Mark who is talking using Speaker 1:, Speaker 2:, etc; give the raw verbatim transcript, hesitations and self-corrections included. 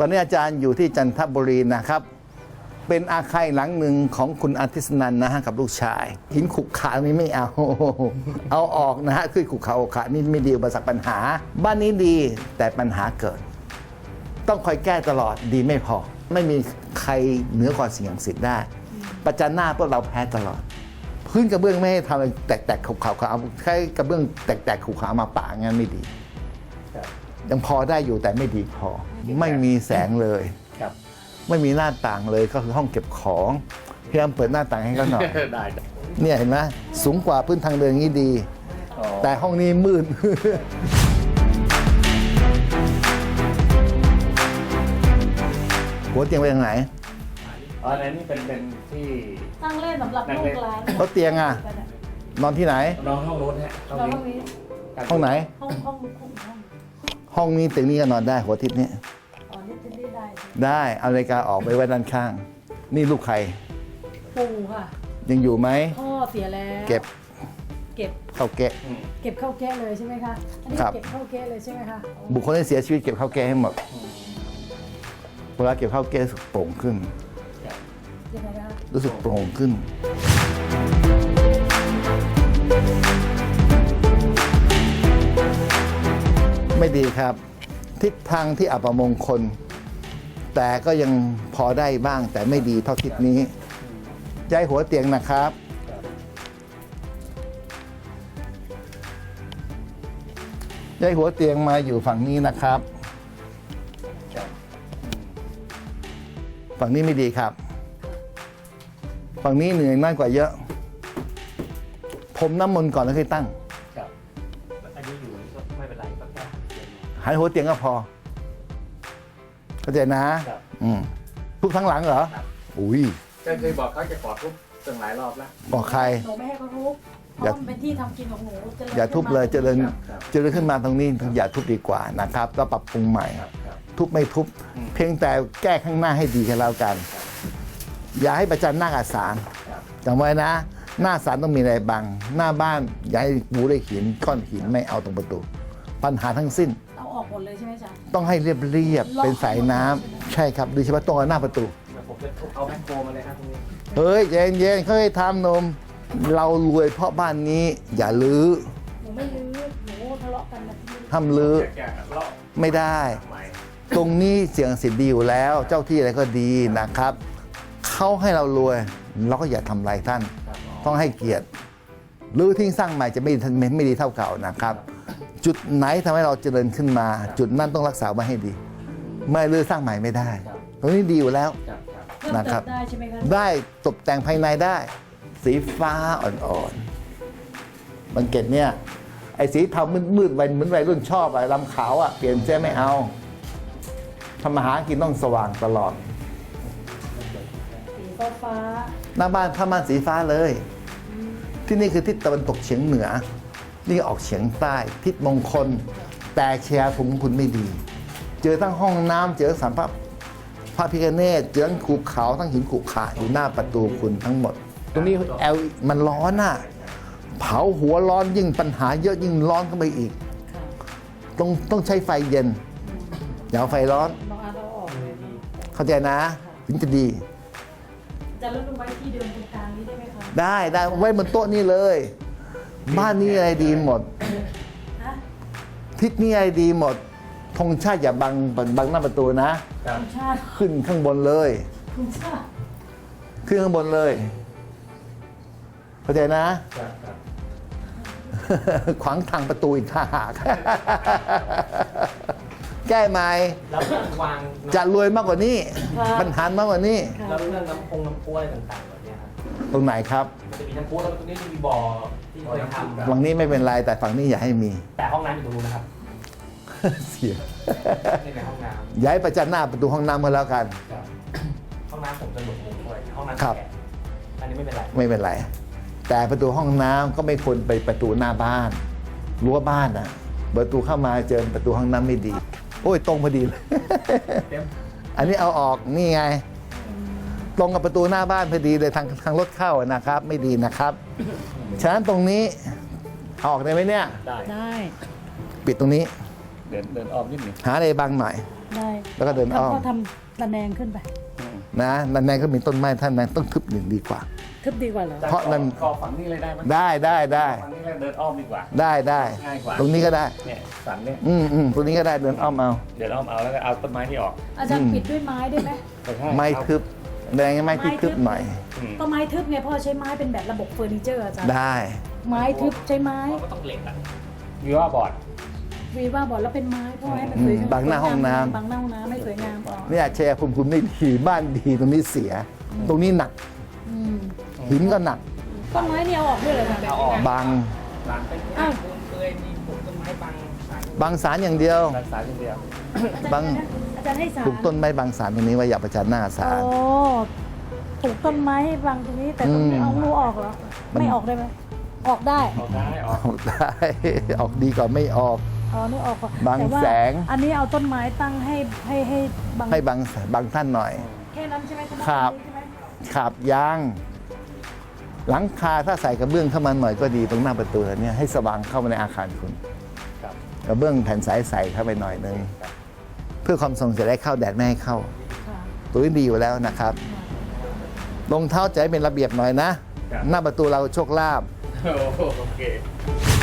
Speaker 1: อนนี้อาจารย์อยู่ที่จันทบุรีนะครับเป็นอาคารหลังหนึ่งของคุณอาทิตย์นันนะฮะกับลูกชายหินขุกขานี่ไม่เอาเอาออกนะฮะคือขุกขาอกขานี่ไม่ดีอุปสรรคปัญหาบ้านนี้ดีแต่ปัญหาเกิดต้องคอยแก้ตลอดดีไม่พอไม่มีใครเหนือกว่าสิ่งศักดิ์สิทธิ์ได้ประจันหน้าพวกเราแพ้ตลอดพื้นกระเบื้องไม่ให้ทำแตกๆขุกขาเอาแค่กระเบื้องแตกๆขุกขามาปะงั้นไม่ดียังพอได้อยู่แต่ไม่ดีพอไม่มีแสงเลยไม่มีหน้าต่างเลยก็คือห้องเก็บของพยายามเปิดหน้าต่างให้เขาหน่อยได้เนี่ยเห็นไหมสูงกว่าพื้นทางเดินนี้ดีแต่ห้องนี้มืดหัวเตียงไปทางไหน
Speaker 2: อ๋ออันนี้เป็นเป็นที่
Speaker 3: ตั้งเล่นสำหรับลูกหลาน
Speaker 1: เขาเตียงอ่ะนอนที่ไหน
Speaker 2: นอนห้องโน้นฮะห้องนี้
Speaker 1: ห้องไหน
Speaker 3: ห้องห้องห้อง
Speaker 1: ห้องนี้เตียงนี้ก็นอนได้หัวทิศนี้
Speaker 3: อ๋อนี่จะได้ได้
Speaker 1: ได้เอานาฬิกาออกไปไว้ด้านข้างนี่ลูกใคร
Speaker 3: ปู่ค่ะ
Speaker 1: ยังอยู่ไหม
Speaker 3: พ่อเสียแล้ว
Speaker 1: เก็บ
Speaker 3: เก็บ
Speaker 1: เข้าแกะ
Speaker 3: เก็บเข้าแกะเลยใช่ไหมคะอันนี้เก็บเข้าแกะเลยใช่ไหมคะ
Speaker 1: บุคคลที่เสียชีวิตเก็บเข้าแกะให้หมดเวลาเก็บเข้าแกะรู้สึกโปร่งขึ้น
Speaker 3: ยังไงคะ
Speaker 1: รู้สึกโปร่งขึ้นไม่ดีครับทิศทางที่อัปมงคลแต่ก็ยังพอได้บ้างแต่ไม่ดีเท่าทิศนี้ย้ายหัวเตียงนะครับย้ายหัวเตียงมาอยู่ฝั่งนี้นะครับฝั่งนี้ไม่ดีครับฝั่งนี้เหนื่อยมากกว่าเยอะผมน้ำมนต์ก่อนแล้วค่อยตั้ง
Speaker 2: อันนี้อยู่ไม่เป็นไรก็แค่
Speaker 1: หายหัวเตียงก็พอเข้าใจนะอืมทุบทั้งหลังเหรออุ้ย
Speaker 2: ก็เคยบอกเขาจะขอทุบตั้งหลายรอบแล้ว
Speaker 1: บอกใคร
Speaker 3: หนูไม่ให้เขาทุบเพราะมันเป็นที่ทำกินของหนู
Speaker 1: อย่าทุบเลยเจริญเจริญขึ้นมาตรงนี้อย่าทุบดีกว่านะครับก็ปรับปรุงใหม่ทุบไม่ทุบเพียงแต่แก้ข้างหน้าให้ดีกันแล้วกันอย่าให้ประจันหน้ากับศาลจำไว้นะหน้าศาลต้องมีอะไรบังหน้าบ้านอย่าให้ปูได้หินก้อนหินไม่เอาตรงประตูปัญหาทั้งสิ้น
Speaker 3: เอาออกหมดเลยใช่ไหมจ๊ะ
Speaker 1: ต้องให้เรียบเรียบเป็นสายน้ำใช่ครับโดยเฉพาะตรงหน้าประตู
Speaker 2: ผมจะเอาแมคโครมาเลยครับตรงนี้
Speaker 1: เฮ้ยเย็นเย็นเขาให้ทำนมเรารวยเพราะบ้านนี้อย่าลื้อ
Speaker 3: หนูไม่ลื้อหนูทะเลาะกันนะ
Speaker 1: พี่ทำลื้อไม่ได้ตรงนี้เสียงสิทธิ์ดีอยู่แล้วเจ้าที่อะไรก็ดีนะครับเขาให้เรารวยเราก็อย่าทำลายท่านต้องให้เกียรติลื้อทิ้งสร้างใหม่จะไม่ไม่ดีเท่าเก่านะครับจุดไหนทำให้เราเจริญขึ้นมาจุดนั้นต้องรักษาไว้ให้ดีไม่ลื้อสร้างใหม่ไม่ได้ตรงนี้ดีอยู่แล้วนะครับ
Speaker 3: ได้ใช่ไหมคะ
Speaker 1: ได้ตกแต่งภายในได้สีฟ้าอ่อนๆบังเกตเนี่ยไอ้สีเทามืดๆเหมือนวัยรุ่นชอบอะลำขาวอะเปลี่ยนเจ๊ไม่เอาทำมาหากินต้องสว่างตลอด
Speaker 3: สีฟ้าฟ้า
Speaker 1: หน้าบ้านผ้าม่านสีฟ้าเลยที่นี่คือทิศตะวันตกเฉียงเหนือนี่ออกเฉียงใต้ทิศมงคลแต่แชร์ถุงคุณไม่ดีเจอทั้งห้องน้ำเจอสัมภาระพระพิฆเนศเจอทั้งภูเขาทั้งหินขุขาอยู่หน้าประตูคุณทั้งหมดตรงนี้แอลมันร้อนน่ะเผาหัวร้อนยิ่งปัญหาเยอะยิ่งร้อนเข้าไปอีกต้องต้องใช้ไฟเย็นอย่าเอาไฟร้อนเข้าใจนะถึงจะดี
Speaker 3: จะเลื่อนไว้ที่เดิมตรงกลางนี้ได้ไหมคะ
Speaker 1: ได้ได้ไว้บนโต๊ะนี่เลยบ้านนี้อะไรดีหมดทิศนี้อะไรดีหมดธงชาติอย่าบังบังหน้าประตูนะขึ้นข้างบนเลยขึ้นข้างบนเลยเข้าใจนะขวางทางประตูอีกท่าหากแก้ไหมจะรวยมากกว่านี้ปัญหามากกว่านี้
Speaker 2: แล้วเรื่องน้ำพงน้ำพุอะไรต่างๆแบบนี้ครับ
Speaker 1: ตรงไหนครับ
Speaker 2: จะมีน้ำพุแล้วตรงนี้จะมีบ่อที่เคยทำ
Speaker 1: ฝั่งนี้ไม่เป็นไรแต่ฝั่งนี้อย่าให้มี
Speaker 2: แต่ห้องน้ำอยู่ตรงนู้นนะครับ
Speaker 1: เสีย
Speaker 2: ในห้องน้ำ
Speaker 1: ย้ายประจันหน้าประตูห้องน้ำมาแล้วกัน
Speaker 2: ห้องน้ำผมจะหลุดมุมด้วยห้องน้ำ
Speaker 1: ครับ
Speaker 2: อันนี้ไม่เป็นไร
Speaker 1: ไม่เป็นไรแต่ประตูห้องน้ำก็ไม่ควรไปประตูหน้าบ้านรั้วบ้านนะประตูเข้ามาเจอประตูห้องน้ำไม่ดีโอ้ยตรงพอดีเลยอันนี้เอาออกนี่ไงตรงกับประตูหน้าบ้านพอดีเลยทางทางรถเข้านะครับไม่ดีนะครับฉะนั้นตรงนี้ออกได้ไหมเนี่ย
Speaker 3: ได้
Speaker 1: ปิดตรงนี้
Speaker 2: เดินเดินออกนิดหนึ่ง
Speaker 1: หาอะไรบางหน่อย
Speaker 3: ได้
Speaker 1: แล้วก็เดินอ้อม
Speaker 3: ทำก็ทำระแนงขึ้นไป
Speaker 1: นะนั่นแนก็มีต้นไม้ท่านนั้นต้องทึบหนึ่งดีกว่า
Speaker 3: ทึบดีกว่าเหรอ
Speaker 1: เพราะนั่น
Speaker 2: กอฝั่งนี้เลยได้ไหม
Speaker 1: ได้ได้ได้
Speaker 2: ฝั่งนี้เลยเดินอ้อมดีกว่า
Speaker 1: ได้ได้
Speaker 2: ง่ายกว่า
Speaker 1: ตรงนี้ก็ได้
Speaker 2: เนี่ยสันเนี่ย
Speaker 1: อืมอืมตรงนี้ก็ได้เดินอ้อมเอา
Speaker 2: เดี๋ยวอ้อมเอาแล้วก็เอาต้นไม้ที่ออก
Speaker 3: อาจารย์ปิดด้วยไม้ได้ไหม
Speaker 2: แต่ถ้า
Speaker 1: ไม้
Speaker 2: เอา
Speaker 1: ทึบแดงไม้ที่ทึบหน่อย
Speaker 2: อืม
Speaker 3: ก็ไม้ทึบเนี่ยพ่อใช้ไม้เป็นแบบระบบเฟอร์นิเจอร์อาจารย์
Speaker 1: ได้
Speaker 3: ไม้ทึบใช้ไม้
Speaker 2: ก็ต้องเหล็กอ่ะวิว่าบอร์ด
Speaker 3: วีว่าบอกแล้วเป็นไม้พ่อให้มัน
Speaker 1: อื
Speaker 3: ส
Speaker 1: ม
Speaker 3: วยงาม
Speaker 1: บังหน้าห้องน้ำ
Speaker 3: บังหน้าห้องน้ำไม่สวยงามอ๋อ
Speaker 1: เนี่ยแชร์ภูมิคุณไม่ดีบ้านดีตรงนี้เสีย ตรงนี้หนัก
Speaker 3: อืม
Speaker 1: หินก็หนัก
Speaker 3: ต้นไม้เนี่ยเอาออกด้วยเลยค่ะ
Speaker 2: เอาออก
Speaker 1: บาง
Speaker 2: หลังเป็น
Speaker 3: อ้าว
Speaker 2: ปูนเปลือยมีปลูกต้นไม้บางสาย
Speaker 1: บางสารอย่างเดียว
Speaker 2: บางสายอย่างเดียว
Speaker 1: บาง
Speaker 3: อาจารย์ให้สาร
Speaker 1: ปลูกต้นไม้บางสารตรงนี้ไว้อย่าประจันหน้าสาร
Speaker 3: โอ้ปลูกต้นไม้ให้บังตรงนี้แต่ตรงนี้
Speaker 1: อืม
Speaker 3: เอางูออกเหรอ
Speaker 1: มัน
Speaker 3: ไม่ออกได้ไหมออกได้
Speaker 2: ออกได้ออก
Speaker 1: ออกได้ ออกดีกว่าไม่ออก
Speaker 3: อ๋อนี่ออกก่อน
Speaker 1: บัง
Speaker 3: ต่ว่า
Speaker 1: แสง
Speaker 3: อันนี้เอาต้นไม้ตั้งให้ให้ให้บัง
Speaker 1: ให้บางบางท่านหน่อย
Speaker 3: แค่นั้นใช่ไหมณ
Speaker 1: ครับ
Speaker 3: ใช่ไหม
Speaker 1: ขาบยาง หลังคาถ้าใส่กระเบื้องเข้ามาหน่อยก็ดีตรงหน้าประตูเนี่ยให้สว่างเข้ามาในอาคารคุณ
Speaker 2: ครับ
Speaker 1: กระเบื้องแผ่นใสใส่เข้าไปหน่อยนึงเพื่อความทรงจะได้เข้าแดดไม่ให้เข้า
Speaker 3: ค่ะ
Speaker 1: ตัวนี้ดีอยู่แล้วนะครับรองเท้าจะให้เป็นระเบียบหน่อยนะ
Speaker 2: ครับ
Speaker 1: หน้าประตูเราโชคลาภ
Speaker 2: โอเค